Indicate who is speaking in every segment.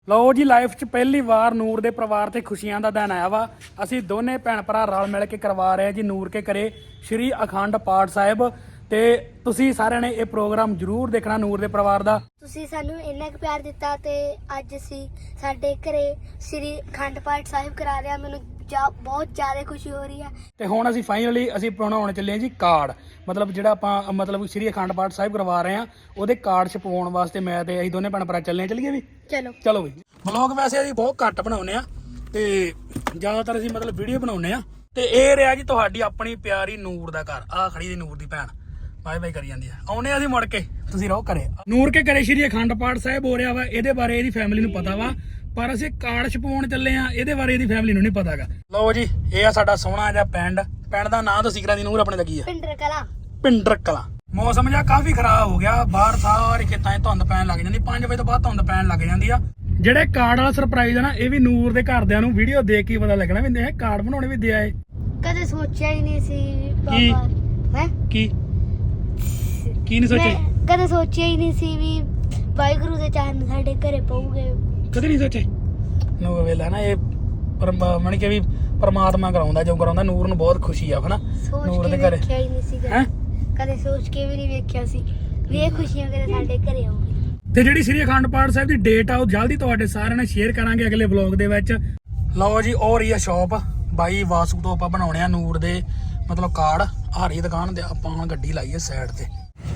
Speaker 1: ਲਓ ਜੀ, ਲਾਈਫ 'ਚ ਪਹਿਲੀ ਵਾਰ ਨੂਰ ਦੇ ਪਰਿਵਾਰ ਤੇ ਖੁਸ਼ੀਆਂ ਦਾ ਦਿਨ ਆਇਆ ਵਾ। ਅਸੀਂ ਦੋਨੇ ਭੈਣ ਭਰਾ ਰਲ ਮਿਲ ਕੇ ਕਰਵਾ ਰਹੇ ਹਾਂ ਜੀ ਨੂਰ ਕੇ ਘਰੇ ਸ਼੍ਰੀ ਅਖੰਡ ਪਾਠ ਸਾਹਿਬ। ਤੇ ਤੁਸੀਂ ਸਾਰਿਆਂ ਨੇ ਇਹ ਪ੍ਰੋਗਰਾਮ ਜ਼ਰੂਰ ਦੇਖਣਾ ਨੂਰ ਦੇ ਪਰਿਵਾਰ ਦਾ।
Speaker 2: ਤੁਸੀਂ ਸਾਨੂੰ ਇੰਨਾ ਕੁ ਪਿਆਰ ਦਿੱਤਾ ਤੇ ਅੱਜ ਅਸੀਂ ਸਾਡੇ ਘਰੇ ਸ਼੍ਰੀ ਅਖੰਡ ਪਾਠ ਸਾਹਿਬ ਕਰਾ ਰਹੇ ਹਾਂ। ਮੈਨੂੰ ਬਹੁਤ ਜ਼ਿਆਦਾ ਖੁਸ਼ੀ ਹੋ ਰਹੀ ਹੈ।
Speaker 1: ਤੇ ਹੁਣ ਅਸੀਂ ਫਾਈਨਲੀ ਬਣਾਉਣ ਚੱਲੇ ਹਾਂ ਜੀ ਕਾਰਡ, ਮਤਲਬ ਜਿਹੜਾ ਆਪਾਂ ਸ਼੍ਰੀ ਅਖੰਡ ਪਾਠ ਸਾਹਿਬ ਕਰਵਾ ਰਹੇ ਹਾਂ ਉਹਦੇ ਕਾਰਡ ਛਪਵਾਉਣ ਵਾਸਤੇ ਮੈਂ ਤੇ ਅਸੀਂ ਦੋਨੇ ਭੈਣ ਭਰਾ ਚੱਲੀਏ ਵੀ। ਚਲੋ ਵੀ। ਵਲੌਗ ਵੈਸੇ ਅਸੀਂ ਬਹੁਤ ਘੱਟ ਬਣਾਉਂਦੇ ਆ ਤੇ ਜ਼ਿਆਦਾਤਰ ਅਸੀਂ ਵੀਡੀਓ ਬਣਾਉਂਦੇ ਆ। ਤੇ ਇਹ ਰਿਹਾ ਜੀ ਤੁਹਾਡੀ ਆਪਣੀ ਪਿਆਰੀ ਨੂਰ ਦਾ ਘਰ। ਆਹ ਖੜੀ ਦੀ ਨੂਰ ਦੀ ਭੈਣ ਬਾਏ ਬਾਏ ਕਰੀ ਜਾਂਦੀ ਆ। ਆਉਨੇ ਅਸੀਂ ਮੁੜ ਕੇ, ਤੁਸੀਂ ਰਹੋ ਘਰੇ। ਨੂਰ ਕੇ ਘਰੇ ਸ਼੍ਰੀ ਅਖੰਡ ਪਾਠ ਸਾਹਿਬ ਹੋ ਰਿਹਾ ਵਾ। ਇਹਦੇ ਬਾਰੇ ਇਹਦੀ ਫੈਮਿਲੀ ਨੂੰ ਪਤਾ ਵਾ, ਪਰ ਅਸੀਂ ਕਾਰਡ ਛਪਾਉਣ ਚੱਲੇ ਆ, ਇਹਦੇ ਬਾਰੇ ਇਹਦੀ ਫੈਮਿਲੀ ਨੂੰ ਨਹੀਂ ਪਤਾ ਹੈਗਾ। ਲਓ ਜੀ, ਇਹ ਆ ਸਾਡਾ ਸੋਹਣਾ ਜਿਹਾ ਪਿੰਡ ਦਾ ਨਾਂ ਦੱਸੀ ਕਰਾਂ ਦੀ ਨੂਰ ਆਪਣੇ ਦਾ ਕੀ ਆ? ਪਿੰਡਰ ਕਲਾਂ। ਮੌਸਮ ਜਿਹਾ ਕਾਫੀ ਖਰਾਬ ਹੋ ਗਿਆ, ਬਾਹਰ ਸਾਰੇ ਖੇਤਾਂ 'ਚ ਧੁੰਦ ਪੈਣ ਲੱਗ ਜਾਂਦੀ। 5 ਵਜੇ ਤੋਂ ਬਾਅਦ ਧੁੰਦ ਪੈਣ ਲੱਗ ਜਾਂਦੀ ਆ। ਜਿਹੜੇ ਕਾਰਡ ਵਾਲਾ ਸਰਪ੍ਰਾਈਜ਼ ਆ ਨਾ, ਇਹ ਵੀ ਨੂਰ ਦੇ ਘਰਦਿਆਂ ਨੂੰ ਵੀਡੀਓ ਦੇਖ ਕੇ ਪਤਾ ਲੱਗਣਾ ਵੀ ਇਹ ਕਾਰਡ ਬਣਾਉਣੇ ਵੀ ਦਿਆ ਏ।
Speaker 2: ਕਦੇ ਸੋਚਿਆ ਹੀ ਨਹੀਂ ਸੀ
Speaker 1: ਬਾਬਾ। ਕੀ ਨਹੀਂ ਸੋਚਿਆ?
Speaker 2: ਕਦੇ ਸੋਚਿਆ ਹੀ ਨਹੀਂ ਸੀ ਵੀ ਵਾਹਿਗੁਰੂ ਦੇ ਚਰਨ ਸਾਡੇ ਘਰੇ ਪਊਗੇ। ਕਦੇ ਨਹੀਂ ਸੋਚੇ।
Speaker 1: ਨੂਰ ਵੇਲਾ ਨਾ ਇਹ ਮਨ ਕੇ ਵੀ ਪਰਮਾਤਮਾ ਕਰਾਉਂਦਾ ਜੋ ਕਰਾਉਂਦਾ। ਨੂਰ ਨੂੰ ਬਹੁਤ ਖੁਸ਼ੀ ਆ ਹਨਾ ਨੂਰ ਦੇ ਘਰੇ।
Speaker 2: ਵੇਖਿਆ ਹੀ ਨਹੀਂ ਸੀ ਕਦੇ ਸੋਚ ਕੇ ਵੀ ਨਹੀਂ ਵੇਖਿਆ ਸੀ ਵੀ ਇਹ ਖੁਸ਼ੀਆਂ ਕਦੇ ਸਾਡੇ ਘਰੇ ਆਉਣਗੀਆਂ।
Speaker 1: ਤੇ ਜਿਹੜੀ ਸ਼੍ਰੀ ਅਖੰਡ ਪਾਠ ਸਾਹਿਬ ਦੀ ਡੇਟ ਆ ਉਹ ਜਲਦੀ ਤੁਹਾਡੇ ਸਾਰਿਆਂ ਨਾਲ ਸ਼ੇਅਰ ਕਰਾਂਗੇ ਅਗਲੇ ਵਲੌਗ ਦੇ ਵਿੱਚ। ਲਓ ਜੀ, ਉਹ ਰਹੀ ਆ ਸ਼ੌਪ ਬਾਈ ਵਾਸੂ ਤੋਂ। ਆਪਾਂ ਬਣਾਉਣੇ ਆ ਨੂਰ ਦੇ ਕਾਰਡ। ਆ ਰਹੀ ਦੁਕਾਨ ਤੇ ਆਪਾਂ ਹੁਣ ਗੱਡੀ ਲਾਈਏ ਸਾਈਡ ਤੇ।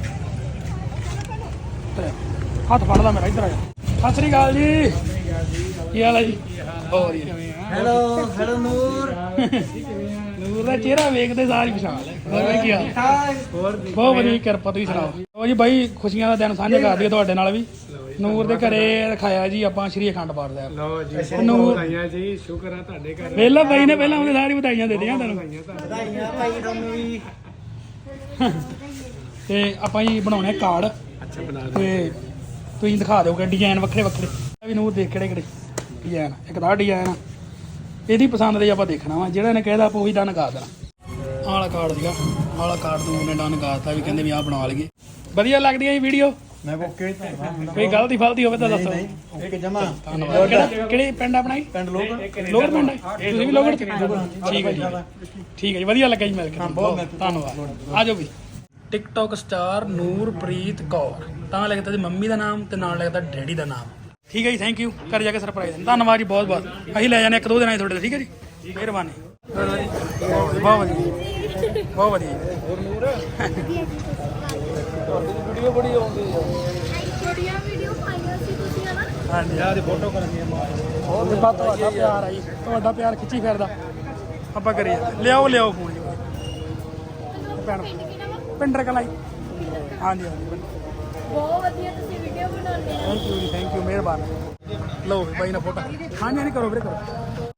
Speaker 1: ਹੱਥ ਫੜ ਲਾ ਮੇਰਾ, ਇੱਧਰ ਆ ਜਾ। ਸਤਿ ਸ੍ਰੀ ਅਕਾਲ ਜੀ, ਕੀ ਹਾਲ ਹੈ ਜੀ?
Speaker 3: ਹੈਲੋ ਨੂਰ।
Speaker 1: ਨੂਰ ਦਾ ਚਿਹਰਾ ਵੇਖਦੇ ਸਾਰ ਹੀ ਪਛਾਣ ਲੈ। ਹੋਰ ਕੀ ਹਾਲ? ਬਹੁਤ ਵਧੀਆ, ਕਿਰਪਾ। ਤੁਸੀਂ ਸੁਣਾਓ? ਉਹ ਜੀ ਬਾਈ, ਖੁਸ਼ੀਆਂ ਦਾ ਦਿਨ ਸਾਂਝਾ ਕਰ ਦਈਏ ਤੁਹਾਡੇ ਨਾਲ ਵੀ। ਨੂਰ ਦੇ ਘਰੇ ਰਖਾਇਆ ਜੀ ਆਪਾਂ ਸ਼੍ਰੀ ਅਖੰਡ ਪਾਠ ਸਾਹਿਬ।
Speaker 3: ਲਓ ਜੀ, ਨੂਰ ਆਈਆਂ ਜੀ। ਸ਼ੁਕਰ ਆ ਤੁਹਾਡੇ ਘਰ।
Speaker 1: ਵੇਲਾ ਬਾਈ ਨੇ ਪਹਿਲਾਂ ਉਹਦੇ ਸਾਰੀ ਵਧਾਈਆਂ ਦੇ ਦਿੱਤੀਆਂ ਤੁਹਾਨੂੰ।
Speaker 3: ਵਧਾਈਆਂ ਭਾਈ ਤੁਹਾਨੂੰ ਵੀ।
Speaker 1: ਤੇ ਆਪਾਂ ਜੀ ਬਣਾਉਣੇ ਕਾਰਡ।
Speaker 3: ਅੱਛਾ, ਬਣਾ ਦਿਓ।
Speaker 1: ਤੇ ਤੁਸੀਂ ਦਿਖਾ ਦਿਓਗੇ ਡਿਜ਼ਾਈਨ ਵੱਖਰੇ ਵੱਖਰੇ ਵੀ ਨੂਰ ਦੇਖ ਕਿਹੜੇ ਡਿਜ਼ਾਈਨ। ਇੱਕ ਤਾਂ ਡਿਜ਼ਾਈਨ ਆ, ਇਹਦੀ ਪਸੰਦ ਦੇ ਆਪਾਂ ਦੇਖਣਾ ਵਾ। ਜਿਹੜਾ ਇਹਨੇ ਕਹਿਦਾ ਆਪਾਂ ਉਹੀ ਡਨ ਕਰ ਦੇਣਾ। ਆਹ ਵਾਲਾ ਕਾਰਡ ਸੀਗਾ, ਆਹ ਵਾਲਾ ਕਾਰਡ ਨੂੰ ਉਹਨੇ ਡਨ ਕਰਤਾ ਵੀ ਕਹਿੰਦੇ ਵੀ ਆਹ ਬਣਾ ਲਈਏ। ਵਧੀਆ ਲੱਗਦੀ ਹੈ ਜੀ ਵੀਡੀਓ।
Speaker 3: ਮੈਂ ਓਕੇ।
Speaker 1: ਕੋਈ ਗਲਤੀ ਫਲਤੀ ਹੋਵੇ ਤਾਂ ਦੱਸੋ।
Speaker 3: ਇੱਕ ਜਮਾ।
Speaker 1: ਧੰਨਵਾਦ। ਕਿਹੜੀ ਪਿੰਡ ਆਪਣਾ ਜੀ?
Speaker 3: ਪਿੰਡ ਲੋਗੜ
Speaker 1: ਪਿੰਡ। ਤੁਸੀਂ ਵੀ ਲੋਗੜ? ਠੀਕ ਹੈ ਜੀ, ਠੀਕ ਹੈ ਜੀ। ਵਧੀਆ ਲੱਗਾ ਜੀ ਮਿਲ ਕੇ। ਧੰਨਵਾਦ। ਆ ਜਾਓ ਵੀ। ਟਿਕਟੋਕ ਸਟਾਰ ਨੂਰਪ੍ਰੀਤ ਕੌਰ, ਤਾਂ ਲਿਖਦਾ ਜੀ ਮੰਮੀ ਦਾ ਨਾਮ ਤੇ ਨਾਲ ਲਿਖਦਾ ਡੈਡੀ ਦਾ ਨਾਮ। ਠੀਕ ਹੈ ਜੀ, ਥੈਂਕ ਯੂ। ਘਰ ਜਾ ਕੇ ਸਰਪ੍ਰਾਈਜ਼। ਧੰਨਵਾਦ ਜੀ, ਬਹੁਤ ਬਹੁਤ। ਅਸੀਂ ਲੈ ਜਾਣੇ 1-2 ਦਿਨਾਂ 'ਚ ਤੁਹਾਡੇ। ਠੀਕ ਹੈ ਜੀ, ਮਿਹਰਬਾਨੀ। ਬਹੁਤ ਵਧੀਆ, ਬਹੁਤ ਵਧੀਆ। ਵੀਡੀਓ ਬੜੀ ਆਉਂਦੀ ਆ।
Speaker 2: ਵੀਡੀਓ ਪਾਈਆਂ ਸੀ ਤੁਸੀਂ ਹਨਾ?
Speaker 1: ਹਾਂਜੀ, ਆਹ ਦੀ ਫੋਟੋ ਕਰਨੀ ਆ। ਬਹੁਤ ਤੁਹਾਡਾ ਪਿਆਰ ਆ ਜੀ, ਤੁਹਾਡਾ ਪਿਆਰ ਖਿੱਚੀ ਫਿਰਦਾ। ਆਪਾਂ ਕਰੀਏ। ਲਿਆਓ ਫੋਨ ਜੀ। ਭੈਣ ਪਿੰਡਰ ਕਲਾਂ ਜੀ। ਹਾਂਜੀ।
Speaker 2: ਬਹੁਤ ਵਧੀਆ ਤੁਸੀਂ ਵੀਡੀਓ ਬਣਾਉਂਦੇ ਹੋ।
Speaker 1: ਥੈਂਕ ਯੂ ਜੀ, ਥੈਂਕ ਯੂ, ਮਿਹਰਬਾਨੀ। ਲਓ ਬਾਈ ਨਾਲ ਫੋਟੋ। ਹਾਂਜੀ, ਕਰੋ ਵੀਰੇ, ਕਰੋ।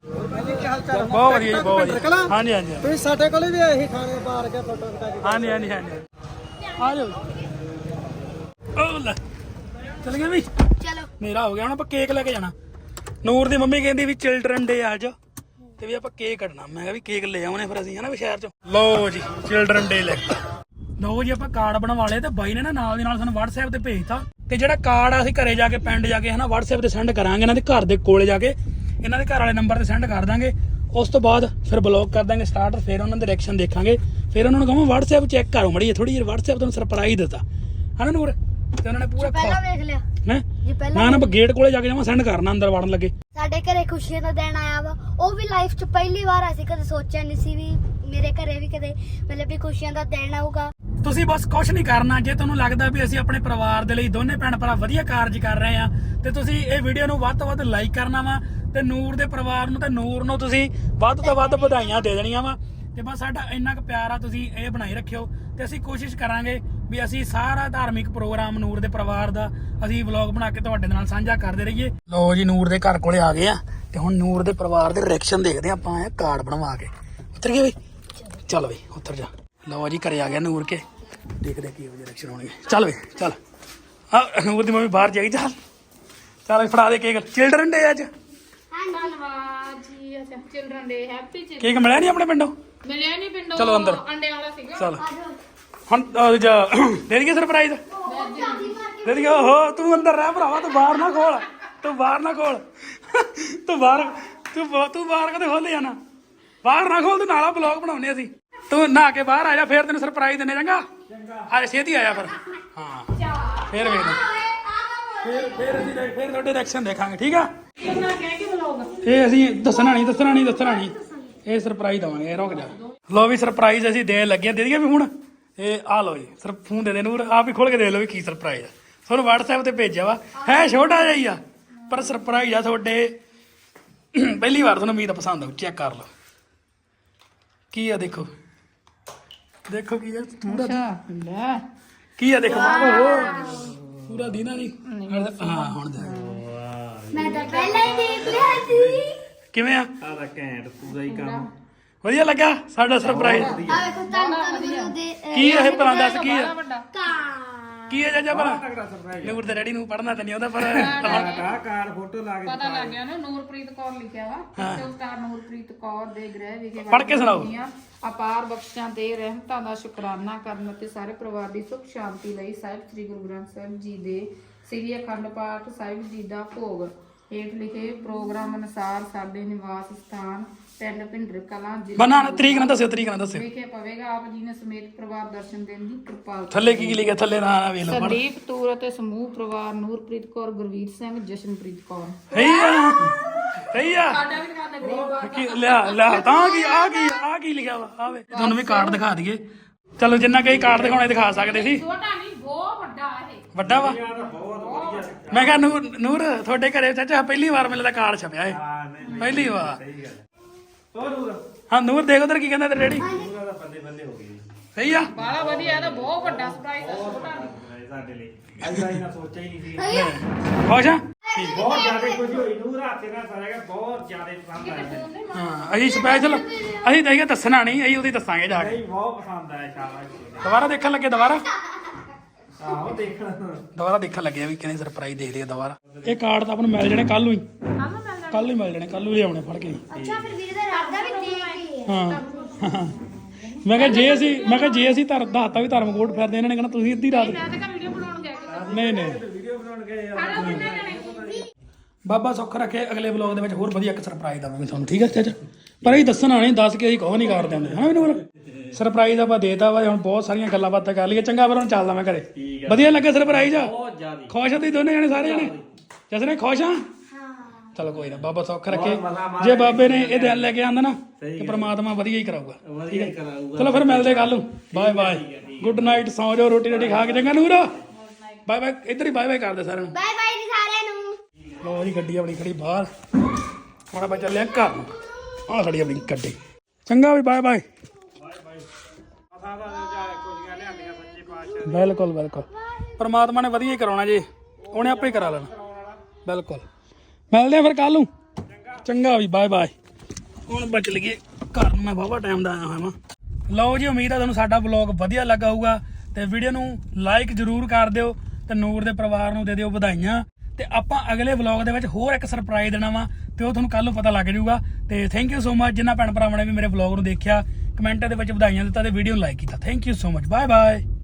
Speaker 1: ਬਹੁਤ ਵਧੀਆ ਜੀ, ਬਹੁਤ ਵਧੀਆ। ਹਾਂਜੀ।
Speaker 3: ਤੁਸੀਂ ਸਾਡੇ ਕੋਲੇ ਵੀ ਆਏ ਸੀ ਖਾਣੇ ਪਾਰ ਕੇ ਫੋਟੋ ਖਿਚਾ ਕੇ।
Speaker 1: ਹਾਂਜੀ। ਆ ਜਾਓ। ਉਹ ਲੈ ਚੱਲ ਗਏ ਵੀ।
Speaker 2: ਚਲੋ,
Speaker 1: ਮੇਰਾ ਹੋ ਗਿਆ। ਹੁਣ ਆਪਾਂ ਕੇਕ ਲੈ ਕੇ ਜਾਣਾ। ਨੂਰ ਦੀ ਮੰਮੀ ਕਹਿੰਦੀ ਵੀ ਚਿਲਡਰਨ ਡੇ ਅੱਜ ਤੇ ਵੀ ਆਪਾਂ ਕੇਕ ਕੱਟਣਾ। ਮੈਂ ਕਿਹਾ ਵੀ ਕੇਕ ਲੈ ਆਉਣੇ ਫਿਰ ਅਸੀਂ ਹਨਾ ਵੀ ਸ਼ਹਿਰ ਚੋਂ। ਲਓ ਜੀ, ਚਿਲਡਰਨ ਡੇ ਲੈ। ਲਓ ਜੀ, ਆਪਾਂ ਕਾਰਡ ਬਣਵਾ ਲਏ ਤੇ ਬਾਈ ਨੇ ਨਾਲ ਦੀ ਨਾਲ ਸਾਨੂੰ WhatsApp ਤੇ ਭੇਜਤਾ। ਤੇ ਜਿਹੜਾ ਕਾਰਡ ਆ ਅਸੀਂ ਘਰੇ ਜਾ ਕੇ ਪਿੰਡ ਜਾ ਕੇ ਹਨਾ WhatsApp ਤੇ ਸੈਂਡ ਕਰਾਂਗੇ। ਇਹਨਾਂ ਦੇ ਘਰ ਦੇ ਕੋਲੇ ਜਾ ਕੇ ਇਹਨਾਂ ਦੇ ਘਰ ਵਾਲੇ ਨੰਬਰ ਤੇ ਸੈਂਡ ਕਰ ਦਾਂਗੇ। ਉਸ ਤੋਂ ਬਾਅਦ ਫਿਰ ਬਲੌਕ ਕਰ ਦਾਂਗੇ ਸਟਾਰਟ। ਫਿਰ ਉਹਨਾਂ ਦੇ ਰਿਐਕਸ਼ਨ ਦੇਖਾਂਗੇ। ਫਿਰ ਉਹਨਾਂ ਨੂੰ ਕਹਾਂ WhatsApp ਚੈੱਕ ਕਰੋ ਮੜੀ ਥੋੜੀ ਜਿਹੀ। WhatsApp ਤੁਹਾਨੂੰ ਸਰਪ੍ਰਾਈਜ਼ ਦਿੱਤਾ ਹਨਾ ਨੂਰ। ਤੇ ਉਹਨਾਂ ਨੇ ਪੂਰਾ
Speaker 2: ਪਹਿਲਾਂ ਵੇਖ ਲਿਆ
Speaker 1: ਹੈ
Speaker 2: ਜੀ। ਪਹਿਲਾਂ
Speaker 1: ਨਾ ਗੇਟ ਕੋਲੇ ਜਾ ਕੇ ਜਾਵਾਂ ਸੈਂਡ ਕਰਨਾ ਅੰਦਰ ਵੜਨ ਲੱਗੇ।
Speaker 2: ਸਾਡੇ ਘਰੇ ਖੁਸ਼ੀਆਂ ਦਾ ਦਿਨ ਆਇਆ ਵਾ। ਉਹ ਵੀ ਲਾਈਫ 'ਚ ਪਹਿਲੀ ਵਾਰ। ਅਸੀਂ ਕਦੇ ਸੋਚਿਆ ਨਹੀਂ ਸੀ ਵੀ ਮੇਰੇ ਘਰੇ ਵੀ ਕਦੇ ਵੀ ਖੁਸ਼ੀਆਂ ਦਾ ਦਿਨ ਆਊਗਾ।
Speaker 1: ਤੁਸੀਂ ਬਸ ਕੁਝ ਨਹੀਂ ਕਰਨਾ। ਜੇ ਤੁਹਾਨੂੰ ਲੱਗਦਾ ਵੀ ਅਸੀਂ ਆਪਣੇ ਪਰਿਵਾਰ ਦੇ ਲਈ ਦੋਨੇ ਭੈਣ ਭਰਾ ਵਧੀਆ ਕਾਰਜ ਕਰ ਰਹੇ ਆ ਤੇ ਤੁਸੀਂ ਇਹ ਵੀਡੀਓ ਨੂੰ ਵੱਧ ਤੋਂ ਵੱਧ ਲਾਈਕ ਕਰਨਾ ਵਾ। ਤੇ ਨੂਰ ਦੇ ਪਰਿਵਾਰ ਨੂੰ ਤੇ ਨੂਰ ਨੂੰ ਤੁਸੀਂ ਵੱਧ ਤੋਂ ਵੱਧ ਵਧਾਈਆਂ ਦੇ ਦੇਣੀਆਂ ਵਾ। ਤੇ ਬਸ ਸਾਡਾ ਇੰਨਾ ਕੁ ਪਿਆਰ ਆ, ਤੁਸੀਂ ਇਹ ਬਣਾਈ ਰੱਖਿਓ। ਤੇ ਅਸੀਂ ਕੋਸ਼ਿਸ਼ ਕਰਾਂਗੇ ਵੀ ਅਸੀਂ ਸਾਰਾ ਧਾਰਮਿਕ ਪ੍ਰੋਗਰਾਮ ਨੂਰ ਦੇ ਪਰਿਵਾਰ ਦਾ ਅਸੀਂ ਵਲੌਗ ਬਣਾ ਕੇ ਤੁਹਾਡੇ ਨਾਲ ਸਾਂਝਾ ਕਰਦੇ ਰਹੀਏ। ਲਓ ਜੀ, ਨੂਰ ਦੇ ਘਰ ਕੋਲੇ ਆ ਗਏ ਆ ਤੇ ਹੁਣ ਨੂਰ ਦੇ ਪਰਿਵਾਰ ਦੇ ਰਿਐਕਸ਼ਨ ਦੇਖਦੇ ਆ ਆਪਾਂ। ਇਹ ਕਾਰਡ ਬਣਵਾ ਕੇ ਉਤਰ ਗਏ ਬਈ। ਚੱਲ ਬਈ ਉੱਤਰ ਜਾ। ਲਓ ਜੀ, ਘਰੇ ਆ ਗਿਆ ਨੂਰ ਕੇ। ਦੇਖਦੇ ਕੀ ਰਿਐਕਸ਼ਨ ਹੋਣਗੇ। ਚੱਲ ਬਈ ਚੱਲ। ਨੂਰ ਦੀ ਮੰਮੀ ਬਾਹਰ ਜਾਈ। ਚੱਲ ਫੜਾ ਦੇ ਕੇਕ। ਚਿਲਡਰਨ ਡੇ ਅੱਜ।
Speaker 4: ਧੰਨਵਾਦ ਜੀ। ਅੱਛਾ, children day. Happy children.
Speaker 1: Cake ਮਿਲਿਆ ਨਹੀਂ ਆਪਣੇ ਪਿੰਡੋਂ?
Speaker 4: ਮਿਲਿਆ ਨਹੀਂ ਪਿੰਡੋਂ।
Speaker 1: ਚਲੋ ਅੰਦਰ।
Speaker 4: ਅੰਡੇ ਵਾਲਾ ਸੀਗਾ।
Speaker 1: ਚੱਲ ਹੁਣ ਦੇ ਦਈਏ ਸਰਪ੍ਰਾਈਜ਼। ਦੇ ਦਈਏ। ਓਹੋ, ਤੂੰ ਅੰਦਰ ਰਹਿ ਭਰਾਵਾ, ਤੂੰ ਬਾਹਰ ਨਾ ਖੋਲ। ਤੂੰ ਬਾਹਰ ਨਾ ਖੋਲ ਤੂੰ ਬਾਹਰ ਕਦੇ ਖੋਲੇ ਜਾਣਾ ਬਾਹਰ ਨਾ ਖੋਲ ਤੂੰ ਨਾਲਾ ਬਲੌਗ ਬਣਾਉਣੇ ਅਸੀਂ ਤੂੰ ਨਹਾ ਕੇ ਬਾਹਰ ਆ ਜਾ ਫੇਰ ਤੈਨੂੰ ਸਰਪ੍ਰਾਈਜ਼ ਦਿੰਨੇ ਚੰਗਾ ਆ ਛੇਤੀ ਆਇਆ ਫਿਰ ਹਾਂ ਫੇਰ ਵੇਖ ਫੇਰ ਅਸੀਂ ਫੇਰ ਤੁਹਾਡੇ ਰਿਐਕਸ਼ਨ ਦੇਖਾਂਗੇ ਠੀਕ ਆ ਇਹ ਅਸੀਂ ਦੱਸਣਾ ਨਹੀਂ ਇਹ ਸਰਪ੍ਰਾਈਜ਼ ਦਵਾਂਗੇ ਰੁਕ ਜਾ ਲੋ ਵੀ ਸਰਪ੍ਰਾਈਜ਼ ਅਸੀਂ ਦੇਣ ਲੱਗੇ ਦੇ ਦਈਏ ਵੀ ਹੁਣ ਇਹ ਆ ਲੋ ਜੀ ਸਰ ਫੋਨ ਦੇ ਨੂਰ ਆਪ ਹੀ ਖੋਲ ਕੇ ਦੇਖ ਲਓ ਵੀ ਕੀ ਸਰਪ੍ਰਾਈਜ਼ ਆ ਤੁਹਾਨੂੰ WhatsApp ਤੇ ਭੇਜਿਆ ਵਾ ਹੈ ਛੋਟਾ ਜਿਹਾ ਹੀ ਆ ਪਰ ਸਰਪ੍ਰਾਈਜ਼ ਆ ਤੁਹਾਡੇ ਪਹਿਲੀ ਵਾਰ ਤੁਹਾਨੂੰ ਉਮੀਦ ਪਸੰਦ ਆਉ ਚੈੱਕ ਕਰ ਲਓ ਕੀ ਆ ਦੇਖੋ ਕੀ ਆ ਪੂਰਾ ਕੀ ਆ ਦੇਖੋ ਪੂਰਾ ਦੀਨਾ ਨਹੀਂ ਹਾਂ ਹੁਣ ਦੇਖ
Speaker 2: ਮੈਂ ਤਾਂ ਪਹਿਲਾਂ ਹੀ ਦੇਖ ਲਿਆ ਸੀ
Speaker 1: ਕਿਵੇਂ ਆ
Speaker 3: ਆਹ ਘੈਂਟ ਪੂਰਾ ਹੀ ਕੰਮ
Speaker 1: ਵਧੀਆ ਲੱਗਾ ਸਾਡਾ ਸਰਪ੍ਰਾਈਜ਼
Speaker 2: ਆ ਵੇਖੋ ਤੁਹਾਨੂੰ ਗੁਰੂ ਦੇ
Speaker 1: ਕੀ ਆ ਇਹ ਭਲਾ ਦੱਸ ਕੀ ਆ
Speaker 2: ਕਾਂ
Speaker 1: ਕੀ ਆ ਚਾਚਾ ਭਲਾ
Speaker 3: ਤਗੜਾ ਸਰਪ੍ਰਾਈਜ਼
Speaker 1: ਨੂਰ ਦੇ ਡੈਡੀ ਨੂੰ ਪੜਨਾ ਤਾਂ ਨਹੀਂ ਆਉਂਦਾ ਪਰ
Speaker 3: ਕਾਰ ਫੋਟੋ ਲਾ ਕੇ
Speaker 4: ਪਤਾ ਲੱਗ ਗਿਆ ਨਾ ਨੂਰਪ੍ਰੀਤ ਕੌਰ ਲਿਖਿਆ ਵਾ ਤੇ ਉਸਤਾਦ ਨੂਰਪ੍ਰੀਤ ਕੌਰ ਦੇ ਗ੍ਰਹਿ ਵਿਖੇ
Speaker 1: ਪੜ੍ਹ ਕੇ ਸੁਣਾਓ।
Speaker 4: ਅਪਾਰ ਬਖਸ਼ਾਂ ਤੇ ਰਹਿਮਤਾਂ ਦਾ ਸ਼ੁਕਰਾਨਾ ਕਰਨ ਅਤੇ ਸਾਰੇ ਪਰਿਵਾਰ ਦੀ ਸੁਖ ਸ਼ਾਂਤੀ ਲਈ ਸਾਹਿਬ ਸ੍ਰੀ ਗੁਰੂ ਗ੍ਰੰਥ ਸਾਹਿਬ ਜੀ ਦੇ ਸ੍ਰੀ ਅਖੰਡ ਪਾਠ ਸਾਹਿਬ ਜੀ ਦਾ ਭੋਗ ਹੇਠ ਲਿਖੇ ਪ੍ਰੋਗਰਾਮ ਅਨੁਸਾਰ ਸਾਡੇ ਨਿਵਾਸ ਸਥਾਨ ਪਿੰਡ ਭਿੰਡਰ ਕਲਾਂ
Speaker 1: ਬਣਾ ਤਰੀਕ ਨਾ ਦੱਸਿਓ
Speaker 4: ਵਿਖੇ ਪਵੇਗਾ ਆਪ ਜੀ ਨੇ ਸਮੇਤ ਪਰਿਵਾਰ ਦਰਸ਼ਨ ਦੇਣ ਦੀ ਕਿਰਪਾਲਤਾ
Speaker 1: ਥੱਲੇ ਕੀ ਲਿਖਿਆ ਥੱਲੇ ਨਾ ਵੇਖ ਲਓ ਪੜ੍ਹ
Speaker 4: ਸੰਦੀਪ ਤੂਰ ਅਤੇ ਸਮੂਹ ਪਰਿਵਾਰ ਨੂਰਪ੍ਰੀਤ ਕੌਰ ਗੁਰਵੀਰ ਸਿੰਘ ਜਸ਼ਨਪ੍ਰੀਤ ਕੌਰ
Speaker 1: ਸਹੀ ਆ
Speaker 4: ਸਾਡਾ ਵੀ ਦਿਖਾ ਦੇ ਗਰੀਬ
Speaker 1: ਕੀ ਲਿਆ ਤਾਂ ਆ ਕੀ ਲਿਖਿਆ ਵਾ ਆਵੇ ਤੁਹਾਨੂੰ ਵੀ ਕਾਰਡ ਦਿਖਾ ਦਈਏ ਚਲੋ ਜਿੰਨਾ ਕਈ ਕਾਰਡ ਦਿਖਾਉਣੇ ਦਿਖਾ ਸਕਦੇ ਸੀ
Speaker 4: ਛੋਟਾ ਨਹੀਂ ਬਹੁਤ ਵੱਡਾ ਇਹ
Speaker 1: ਵੱਡਾ ਵਾ ਮੈਂ ਕਿਹਾ ਨੂਰ ਤੁਹਾਡੇ ਘਰੇ ਚਾਚਾ ਪਹਿਲੀ ਵਾਰ ਮਿਲਦਾ ਕਾਰਡ ਛਪਿਆ ਏ ਪਹਿਲੀ ਵਾਰ ਹਾਂ ਨੂਰ ਦੇਖ ਉਧਰ ਕੀ ਕਹਿੰਦਾ ਤੇ ਡੈਡੀ
Speaker 3: ਬੰਦੇ ਹੋ ਗਏ
Speaker 1: ਸਹੀ ਆ
Speaker 4: ਬਾਲਾ ਵਧੀਆ ਇਹ ਤਾਂ ਬਹੁਤ ਵੱਡਾ ਸਰਪ੍ਰਾਈਜ਼ ਆ ਛੋਟਾ ਨਹੀਂ
Speaker 3: ਸਾਡੇ ਲਈ ਐਦਾਂ ਹੀ ਨਾ ਸੋਚਿਆ ਹੀ ਨਹੀਂ ਸੀ
Speaker 1: ਖੁਸ਼ ਆ
Speaker 3: ਬਹੁਤ ਜ਼ਿਆਦਾ ਖੁਸ਼ੀ ਹੋਈ ਨੂਰ ਹੱਥੇ ਨਾਲ ਸਾਰਿਆ ਬਹੁਤ ਜ਼ਿਆਦਾ ਪਸੰਦ ਆਇਆ
Speaker 1: ਹਾਂ ਅਸੀਂ ਸਪੈਸ਼ਲ ਅਸੀਂ ਤਾਂ ਇਹ ਦੱਸਣਾ ਨਹੀਂ ਅਸੀਂ ਉਹਦੀ ਦੱਸਾਂਗੇ ਜਾ ਕੇ
Speaker 3: ਨਹੀਂ ਬਹੁਤ ਪਸੰਦ ਆਇਆ ਸ਼ਾਬਾਸ਼
Speaker 1: ਦੁਬਾਰਾ ਦੇਖਣ ਲੱਗੇ
Speaker 3: ਆਹੋ ਦੇਖਣਾ
Speaker 1: ਦੁਬਾਰਾ ਦੇਖਣ ਲੱਗੇ ਵੀ ਕਿਹਨੇ ਸਰਪ੍ਰਾਈਜ਼ ਦੇ ਲਿਆ ਦੁਬਾਰਾ ਇਹ ਕਾਰਡ ਤਾਂ ਆਪਾਂ ਨੂੰ ਮਿਲ ਜਾਣੇ ਕੱਲ ਨੂੰ ਹੀ ਕੱਲ ਹੀ ਮਿਲ ਜਾਣੇ ਕੱਲ ਨੂੰ ਲਿਆਉਣੇ ਫੜ ਕੇ
Speaker 2: ਅੱਛਾ ਫਿਰ ਵੀਰੇ ਦਾ ਰਾਦਾ ਵੀ ਦੇਖ
Speaker 1: ਹਾਂ ਮੈਂ ਕਿਹਾ ਜੇ ਅਸੀਂ ਦੱਸਤਾ ਵੀ ਧਰਮਕੋਟ ਫਿਰਦੇ ਇਹਨਾਂ ਨੇ ਕਹਿਣਾ ਤੁਸੀਂ ਅੱਧੀ ਰਾਤ
Speaker 4: ਮੈਂ ਤਾਂ ਵੀਡੀਓ ਬਣਾਉਣ ਗਿਆ
Speaker 1: ਨਹੀਂ
Speaker 3: ਵੀਡੀਓ ਬਣਾਉਣ ਗਏ
Speaker 4: ਖਾਣਾ ਕਿੰਨੇ ਜਣੇ
Speaker 1: ਬਾਬਾ ਸੁੱਖ ਰੱਖੇ ਅਗਲੇ ਵਲੌਗ ਦੇ ਵਿੱਚ ਹੋਰ ਵਧੀਆ ਇੱਕ ਸਰਪ੍ਰਾਈਜ਼ ਦਵਾਂਗੇ ਤੁਹਾਨੂੰ ਠੀਕ ਹੈ ਚਾਚਾ ਪਰ ਅਸੀਂ ਦੱਸਣਾ ਨਹੀਂ ਦੱਸ ਕੇ ਅਸੀਂ ਕੁਝ ਨਹੀਂ ਕਰਦੇ ਹੁੰਦੇ ਹਨਾ ਮੈਨੂੰ ਸਰਪ੍ਰਾਈਜ਼ ਆਪਾਂ ਦੇਤਾ ਵਾ ਹੁਣ ਬਹੁਤ ਸਾਰੀਆਂ ਗੱਲਾਂ ਬਾਤਾਂ ਕਰ ਲਈਏ ਚੰਗਾ ਫਿਰ ਹੁਣ ਚੱਲਦਾ ਮੈਂ ਘਰੇ ਵਧੀਆ ਲੱਗਾ ਸਰਪ੍ਰਾਈਜ਼
Speaker 3: ਬਹੁਤ ਜ਼ਿਆਦਾ
Speaker 1: ਖੁਸ਼ ਆ ਤੁਸੀਂ ਦੋਨੇ ਜਣੇ ਸਾਰੇ ਜਣੇ ਜਸਨੇ ਖੁਸ਼ ਆ ਚਲੋ ਕੋਈ ਨਾ ਬਾਬਾ ਸੁੱਖ ਰੱਖੇ ਜੇ ਬਾਬੇ ਨੇ ਇਹ ਦਿਨ ਲੈ ਕੇ ਆਂਦਾ ਨਾ ਤੇ ਪ੍ਰਮਾਤਮਾ ਵਧੀਆ ਹੀ ਕਰਾਊਗਾ
Speaker 3: ਵਧੀਆ ਹੀ ਕਰਾਊਗਾ
Speaker 1: ਚਲੋ ਫਿਰ ਮਿਲਦੇ ਕੱਲ ਨੂੰ ਬਾਏ ਬਾਏ ਗੁੱਡ ਨਾਈਟ ਸੌਂ ਜਾਓ ਰੋਟੀ ਖਾ ਕੇ ਚੰਗਾ ਨੂਰ ਬਾਏ ਬਾਏ ਇੱਧਰ ਹੀ ਬਾਏ ਬਾਏ ਕਰਦੇ ਸਾਰਿਆਂ ਨੂੰ
Speaker 2: ਬਾਏ ਬਾਏ ਜੀ ਸਾਰਿਆਂ ਨੂੰ
Speaker 1: ਲੋ ਜੀ ਗੱਡੀ ਆਪਣੀ ਖੜੀ ਬਾਹਰ ਹੁਣ ਆਪਾਂ ਚੱਲੇ ਆ ਘਰ ਨੂੰ ਆਹ ਖੜੀ ਆਪਣੀ ਗੱਡੀ ਚੰਗਾ ਵੀ ਬਾਏ ਬਾਏ ਬਿਲਕੁਲ ਪਰਮਾਤਮਾ ਨੇ ਵਧੀਆ ਹੀ ਕਰਾਉਣਾ ਜੀ ਉਹਨੇ ਆਪੇ ਹੀ ਕਰਾ ਲੈਣਾ ਬਿਲਕੁਲ ਮਿਲਦੇ ਆ ਫਿਰ ਕੱਲ ਨੂੰ ਚੰਗਾ ਵੀ ਬਾਏ ਬਾਏ ਹੁਣ ਬਚ ਲਈਏ ਘਰ ਨੂੰ ਮੈਂ ਵਾਹਵਾ ਟਾਈਮ ਦਾ ਆਇਆ ਹੋਇਆ ਵਾਂ ਲਓ ਜੀ ਉਮੀਦ ਆ ਤੁਹਾਨੂੰ ਸਾਡਾ ਵਲੌਗ ਵਧੀਆ ਲੱਗਾ ਹੋਊਗਾ ਤੇ ਵੀਡੀਓ ਨੂੰ ਲਾਈਕ ਜ਼ਰੂਰ ਕਰ ਦਿਓ ਤੇ ਨੂਰ ਦੇ ਪਰਿਵਾਰ ਨੂੰ ਦੇ ਦਿਓ ਵਧਾਈਆਂ ਤੇ ਆਪਾਂ ਅਗਲੇ ਵਲੌਗ ਦੇ ਵਿੱਚ ਹੋਰ ਇੱਕ ਸਰਪ੍ਰਾਈਜ਼ ਦੇਣਾ ਵਾ ਤੇ ਉਹ ਤੁਹਾਨੂੰ ਕੱਲ ਨੂੰ ਪਤਾ ਲੱਗ ਜਾਊਗਾ ਤੇ ਥੈਂਕ ਯੂ ਸੋ ਮਚ ਜਿਨ੍ਹਾਂ ਭੈਣ ਭਰਾਵਾਂ ਨੇ ਵੀ ਮੇਰੇ ਵਲੌਗ ਨੂੰ ਦੇਖਿਆ ਕਮੈਂਟਾਂ ਦੇ ਵਿੱਚ ਵਧਾਈਆਂ ਦਿੱਤਾ ਤੇ ਵੀਡੀਓ ਨੂੰ ਲਾਈਕ ਕੀਤਾ thank you so much bye bye